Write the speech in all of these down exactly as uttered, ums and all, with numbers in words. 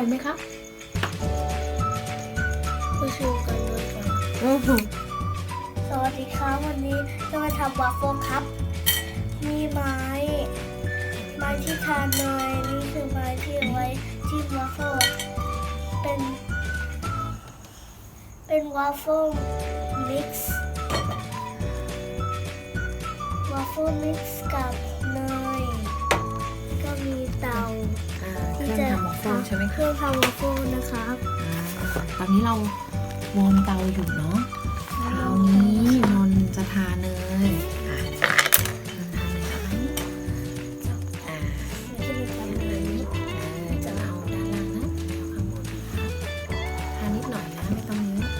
อยไหมครับมาชูกันด้วยกันโอ้โหสวัสดีครับวันนี้จะมาทำวาฟเฟิลครับ มีไม้ไม้ที่ทานเนยนี่คือไม้ที่เอาไว้จิ้มวาฟเฟิลเป็น เป็นวาฟเฟิลมิกซ์วาฟเฟิลมิกซ์กับเนยก็มีเตาอ่าเครื่องทำวอฟเฟิลใช่ไหมเคครับรื่องทำวาฟเฟิลนะครับอ่าตอนนี้เราวอร์มเตาอยู่เนาะคราวนี้นนท์จะทาเนยอ่ะนนท์ทาเนยไหมอ่าจะมีความเนยเออจะเอาด้านล่างนะเอาข้างบนนะครับทานิดหน่อยนะไม่ต้องเยอะ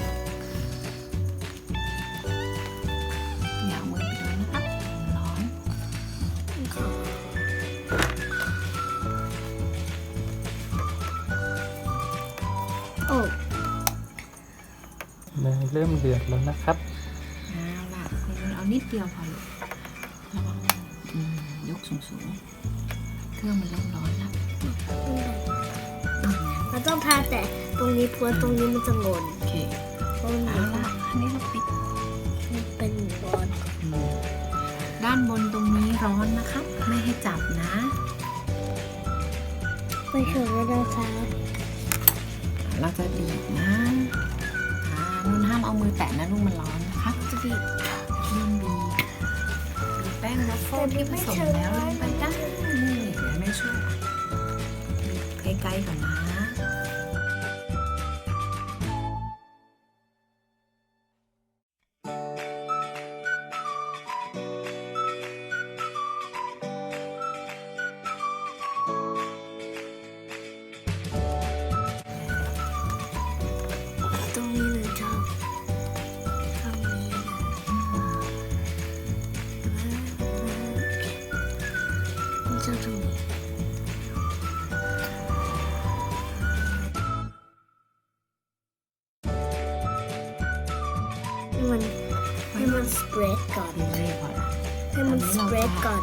อย่าเอามือไปโดนนะครับร้อนโอ้เนยเริ่มเดือดแล้วนะครับเอาล่ะคุณนนท์เอานิดเดียวพอลูกระวังอืมยกสูงๆเครื่องมันเริ่มร้อนแล้วอืมมันต้องทาแต่ตรงนี้เพราะตรงนี้มันจะงนโอเคเพราะมันเอาล่ะอันนี้เราปิดเป็นบอลอืมด้านบนตรงนี้ร้อนนะครับ ไม่ให้จับนะไม่ถึงแล้วนะคะเราจะบีบนะอ่านุ่นห้ามเอามือแตะนะลูกมันร้อนนะคะจะบีบนุ่นบีบบีบแป้งวัฟเฟิลที่ผสมแล้วลงไปได้นี่เดี๋ยวแม่ช่วยบีบใกล้ๆก่อนนะตรงนี้เลยชอบตรงนี้นะมันจะตรงนี้ให้มันให้มันสเปรดก่อนดีเลยพอละให้มันสเปรดก่อน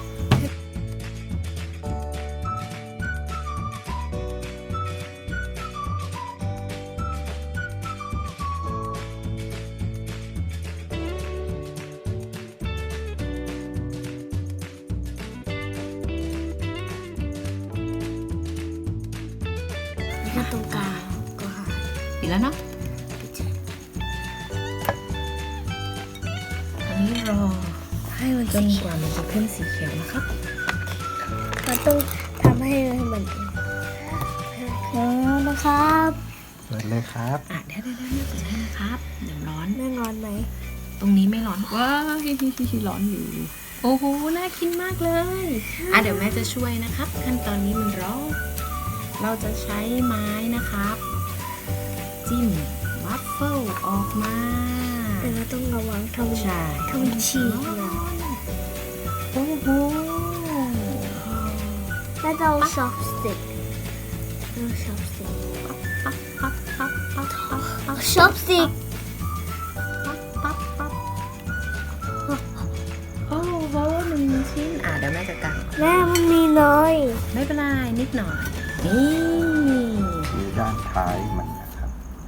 แล้วก็ตรงกลางก็หายปิดแล้วเนาะไปเจออันนี้รอให้มันจสีนเขีกยวว่ามันจะขึ้นสีเขียวนะครับมันต้องทำให้มันแล้วนะครับเปิดเลยครับอ่ะเดี๋ยวเดี๋ยวเดี๋ยวเปิดให้นะครับ เดี๋ยวร้อนแน่นอนไหมตรงนี้ไม่ร้อน ว้าวฮิฮิฮิฮิร้อนอยู่ โอ้โห น่ากินมากเลย อ่ะเดี๋ยวแม่จะช่วยนะครับ ขั้นตอนนี้มันร้อน เราจะใช้ไม้นะครับ จิ้มวัฟเฟิลออกมาแต่เราต้องระวังทำใช่ทำฉีกนะโอ้โหแล้วเราซอฟสติกเราซอฟสติกปั๊บปั๊บปั๊บปั๊บปั๊บปั๊บซอฟสติกปั๊บปั๊บปั๊บโอ้โหหนึ่งชิ้น อ่ะเดี๋ยวแม่จะกางแม่มันมีน้อยไม่เป็นไรนิดหน่อย นี่ดูด้านท้ายมันนะครับ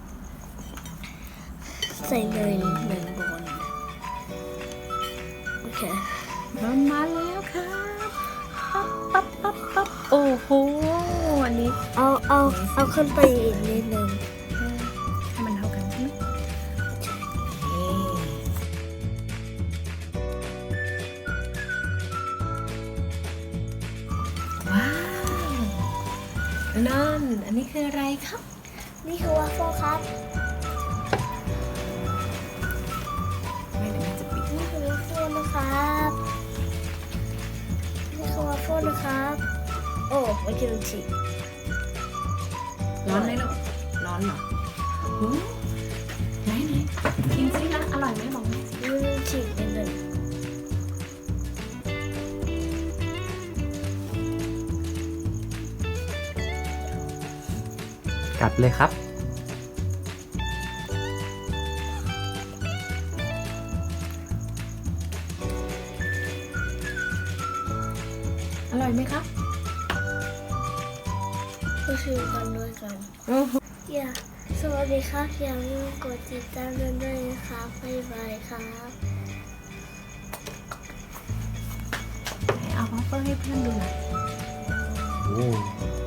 ใส่เนยนิดหนึ่งบนโอเคมันมาแล้วครับปั๊บปั๊บปั๊บปั๊บโอ้โห อันนี้เอาเอาเอาขึ้นไปอีกนิดหนึ่งให้มันเท่ากันใช่ไหมนี่ว้าวนั่นอันนี้คืออะไรครับนี่คือวาฟเฟิลครับไม่เดี๋ยวแม่จะปิดนี่คือวาฟเฟิลนะครับนี่คือวาฟเฟิลนะครับ โอ้ไม่กินฉีกร้อนไหมลูกร้อนเหรอโอ้ไหนไหนกินซินะอร่อยไหมบอกแม่สินี่ฉีกนิดหนึ่งกัดเลยครับอร่อยไหมครับรก็คือกันด้วยกันโอ้โหอย่าสวัสดีครับอย่าลืมกดติดตามกันด้วยนะครับบ๊ายบายครับเอาวัฟเฟิลให้เพื่อนดูหน่อยโอ้